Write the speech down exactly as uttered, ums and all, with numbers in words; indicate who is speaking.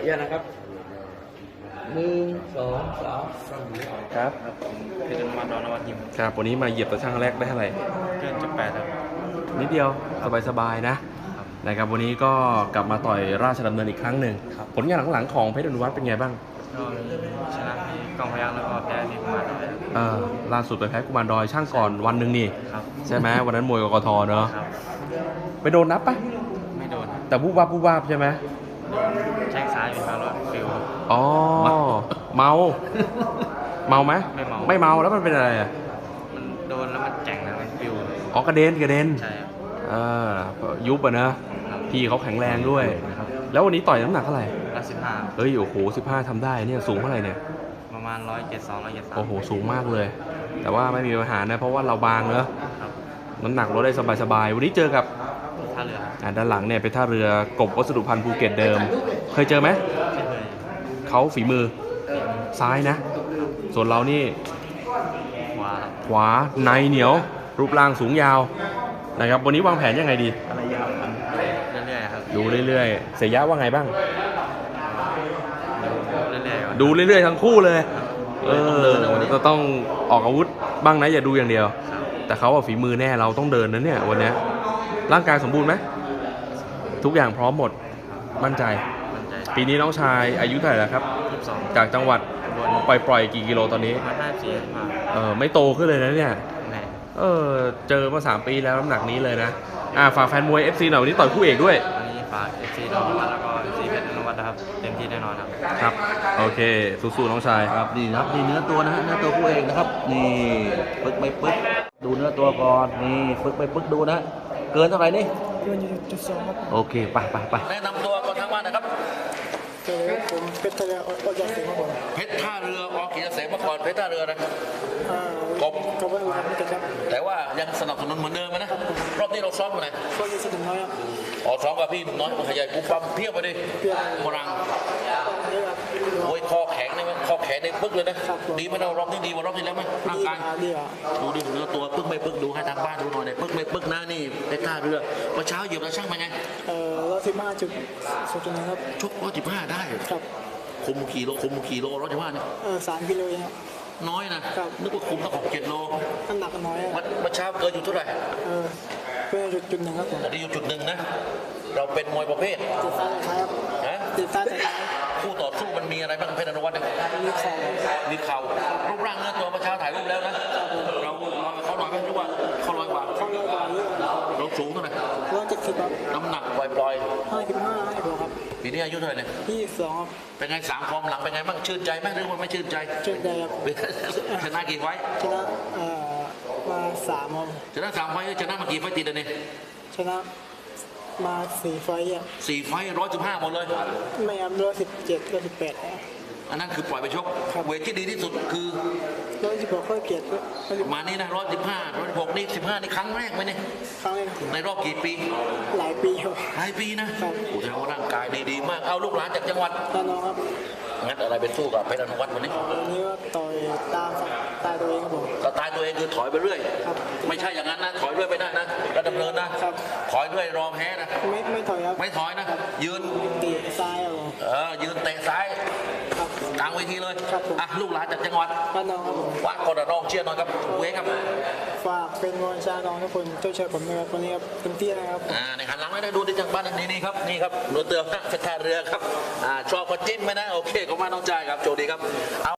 Speaker 1: อนุญาตนะครับหนึ่งสองสาม
Speaker 2: ครับ
Speaker 3: คือจะมาดอนนวัดยิม
Speaker 2: ครับวันนี้มาเหยียบตะช่างแรกได้เท่าไหร่
Speaker 3: เกินจุดแปดครับ
Speaker 2: นิดเดียวสบายๆนะนะครับวันนี้ก็กลับมาต่อยราชดำเนินอีกครั้งหนึ่งผลงานหลังๆของเพชรอนุวัฒน์เป็นไงบ้าง
Speaker 3: ก็ชนะที่กองพยัคฆ์แล้วก็แพ้ที่กุมารดอยครับ
Speaker 2: เออล่าสุดไปแพ้กุมารดอยช่างก่อนวันหนึ่งนี่
Speaker 3: ครับ
Speaker 2: ใช่ไหมวันนั้นมวยกกทเนอะ
Speaker 3: ครับ
Speaker 2: ไปโดนนับปะ
Speaker 3: ไม่โดนครับ
Speaker 2: แต่บูบวาบบูบวาบใช่ไหม
Speaker 3: แช่งซ้ายอยู่ครับรถฟิว
Speaker 2: อ๋อเมาเมาไหม
Speaker 3: ไม่เมา
Speaker 2: ไม่เมาแล้วมันเป็นอะไรอ่ะ
Speaker 3: มันโดนแล้วมันแจ๋งนะมันฟิว
Speaker 2: อ๋อกระเด็นกระเด็น
Speaker 3: ใช่ครับ
Speaker 2: เออยุบอ่ะนะพี่เขาแข็งแรงด้วยแล้ววันนี้ต่อยน้ำหนักเท่าไหร่
Speaker 3: ร้อยสิบห้า
Speaker 2: เฮ้ยโอ้โหสิบห้าทำได้เนี่ยสูงเท่าไหร่เนี่ย
Speaker 3: ประมาณร้อยเจ็ดสองร้อยเจ็ดสาม
Speaker 2: โอ้โหสูงมากเลย แต่ว่าไม่มีปัญหานะเพราะว่าเราบางเนอะ
Speaker 3: ครับ
Speaker 2: น้ำหนักลดได้สบายๆวันนี้เจอกับ
Speaker 3: ท่าเรือ
Speaker 2: อ่าด้านหลังเนี่ยเป็นท่าเรือกบวัสดุพันธ์ภูเก็ตเดิม เคยเจอไหม
Speaker 3: ไม่เคย
Speaker 2: เขาฝีมือซ้ายนะ ส่วนเรานี่
Speaker 3: ขวาครับ
Speaker 2: ขวาในเหนียว รูปร่างสูงยาวนะครับวันนี้วางแผนยังไงดี
Speaker 3: อะไรยาวเรื่อยๆครับ
Speaker 2: ดูเรื่อยๆเสียยะว่าไงบ้าง
Speaker 3: เรื่อยๆก่อน
Speaker 2: ดูเรื่อยๆทั้งคู่เลย เออจะต้องออกอาวุธบ้างนะอย่าดูอย่างเดียว
Speaker 3: ครับ
Speaker 2: แต่เขาอะฝีมือแน่เราต้องเดินนะเนี่ยวันเนี้ยร่างกายสมบูรณ์ไหมทุกอย่างพร้อมหมดมั่นใจ
Speaker 3: มั่นใจ
Speaker 2: ปีนี้น้องชายอายุเท่าไหร่แล้วครับ
Speaker 3: ยี่สิบสอง
Speaker 2: จากจังหวัด
Speaker 3: บน
Speaker 2: ปล่อยปล่อยกี่กิโลตอนนี้
Speaker 3: ประมาณห้าสี่ห้า
Speaker 2: เออไม่โตขึ้นเลยนะเนี่ย
Speaker 3: แน่
Speaker 2: เออเจอมาสามปีแล้วน้ำหนักนี้เลยนะอ่าฝากแฟนมวย เอฟ ซี หน่อยวันนี้ต่อยคู่เอกด้วย
Speaker 3: วันนี้ฝากเอฟซีดอนวัดแล้วก็เอฟซีเพชรนวัดนะครับเต็มที่แน่นอนครับ
Speaker 2: ครับโอเคสู้ๆน้องชาย
Speaker 1: ครับนี่นะครับนี่เนื้อตัวนะฮะเนื้อตัวผู้เองนะครับนี่ปึ๊กไปปึ๊กดูเนื้อตัวก่อนนี่ปึ๊กไปปึ๊กดูนะเกินเท่าไหร่นี่
Speaker 4: เกินจุดสองครับ
Speaker 1: โอเคไปไปไปแนะนำตัวก่อนทางบ้านนะครับ
Speaker 4: เจอผมเพชรทะเลออกจากเสียงครับผม
Speaker 1: เพชรท่าเรือออกเกียรติเสมาก่อนเพชรท่าเรือนะ
Speaker 4: อ่าก
Speaker 1: บ
Speaker 4: กบว่าครับไม่เกิดครับ
Speaker 1: แต่ว่ายังสนับสนุนเหมือนเดิมนะรอบนี้เราซ้อมอยู่ไหน
Speaker 4: ก็ยี่สิบน้อยครับ
Speaker 1: อ๋อซ้อมกับพี่น้อยขยายกูปั๊มเพียบไปดิ
Speaker 4: เพียบ
Speaker 1: มรัง
Speaker 4: เยอะครับ
Speaker 1: โอ้ยคอแข็งเลยไหมคอแข็งในปึ๊กเลยนะครับ
Speaker 4: ผม
Speaker 1: ดีไหมเรารอบนี้ดีกว่ารอบที่แล้วไหมร่าง
Speaker 4: ดี
Speaker 1: กาย
Speaker 4: อ่ะดีอ่ะ
Speaker 1: ดูดิเนื้อตัวปึ๊กไม่ปึ๊กดูให้ทางบ้านดูหน่อยเนี่ยปึ๊กไม่ปึ๊กนะนี่เพชรท่าเรือเมื่อเช้าเหยียบแล้วช่างเป็นไง
Speaker 4: เอ่อร้อยสิบห้าจุดสุดจุดนะครับ
Speaker 1: ชกร้อยสิบห้าได้
Speaker 4: ครับ
Speaker 1: คุมกี่โลคุมกี่โลร้อยสิบห้าเนี่ย
Speaker 4: เออสามกิโลเองครับ
Speaker 1: น้อยนะครับ นึกว่าคุมต้องหกเจ็ดโล
Speaker 4: น้ำหนักก็น้อยอ่ะ
Speaker 1: วันเมื่อเช้าเกินอยู่เท่าไหร่
Speaker 4: เออเกินจุดจุดหนึ่งครับผม
Speaker 1: ตอนนี้อยู่จุดหนึ่งนะ เราเป็นมวยประเภท
Speaker 4: ติดซ้ายติดซ้ายครับ
Speaker 1: นะ
Speaker 4: ติดซ้ายติดซ้าย
Speaker 1: คู่ต่อสู้มันมีอะไรบ้างเพชรอนุวัฒน์เนี่ย
Speaker 4: มีของ
Speaker 1: มีเข่ารูปร่างเนื้อตัวเมื่อเช้าถ่ายรูปแล้วนะเราเราเขาหน่อยไหมหรือว่าเขาลอยกว่า
Speaker 4: เข้าเลยกว่าเยอะ
Speaker 1: เราสูงเท่าไหร่
Speaker 4: ร้อยเจ็ดสิบครับ
Speaker 1: น้ำหนักปล่อย
Speaker 4: ห้าสิบห้าห้าสิบหกครับ
Speaker 1: ๆปีนี้อายุเท่าไหร่เนี่ย
Speaker 4: ยี่สิบสองครับ
Speaker 1: เป็นไงสามฟอร์มหลังเป็นไงบ้างชื่นใจไหมหรือว่าไม่ชื่นใจ
Speaker 4: เจ็ดได้ครับ
Speaker 1: ชนะกี่ไฟต์
Speaker 4: ชนะเอ่อมาสามครับ
Speaker 1: ชนะสามไฟต์ชนะมากี่ไฟต์ติดอันนี้
Speaker 4: ชนะมาสี่ไฟต์อ่ะ
Speaker 1: สี่ไฟร้อยสิบห้าหมดเลย
Speaker 4: ไม่ครับร้อยสิบเจ็ดร้อยสิบแปด
Speaker 1: อันนั้นคือปล่อยไปชก
Speaker 4: ครับ
Speaker 1: เวทที่ดีที่สุดคือ
Speaker 4: ร้อยสิบหกก็เกียรติก็ร้อยสิบ
Speaker 1: มานี่นะร้อยสิบห้าร้อยสิบหกนี่สิบห้านี่ครั้งแรกไหมเนี่ย
Speaker 4: ครั้งเลยนะ
Speaker 1: ในรอบกี่ปี
Speaker 4: หลายปีครับ
Speaker 1: หลายปีนะครับ โอ้โหแสดงว่าร่างกายดีๆมากเอาลูกหลานจากจังหวัด
Speaker 4: ตอนน้องครับ
Speaker 1: งัดอะไรเป็นสู้กับเพชรอนุวัฒน์วันนี้
Speaker 4: วันนี้ก็ต่อยตามตายตัวเองครับผม
Speaker 1: สไตล์ตัวเองคือถอยไปเรื่อย
Speaker 4: ครับ
Speaker 1: ไม่ใช่อย่างนั้นนะถอยเรื่อยไม่ได้นะระดำเนินนะครับ ถอยเรื่อยรอแพ้นะ
Speaker 4: ไม่ไม่ถอยครับ
Speaker 1: ไม่ถอยนะ ยืน
Speaker 4: ตีซ้ายครับผม
Speaker 1: เออยืนเตะซ้าย
Speaker 4: ครับ
Speaker 1: กลางเวทีเลย
Speaker 4: ครับผม
Speaker 1: อ่ะลูกหลานจากจังหวัด
Speaker 4: ตอนน้องครับผม
Speaker 1: ฝากคนระนองเชียร์หน่อยครับเวครับ
Speaker 4: ฝากเป็นกำลังใจน้องทุกคนช่วยเชียร์ผมนะครับวันนี้ครับเต็มที่นะครับ
Speaker 1: อ่าในหันหลังไม่ได้ดูที่จังบ้านนี่นี่ครับนี่ครับเรือเตือนเพชรท่าเรือครับอ่าชอบก็จิ้มไหมนะโอเคขอบคุณมากน้องจ่ายครับโชคดีครับเอา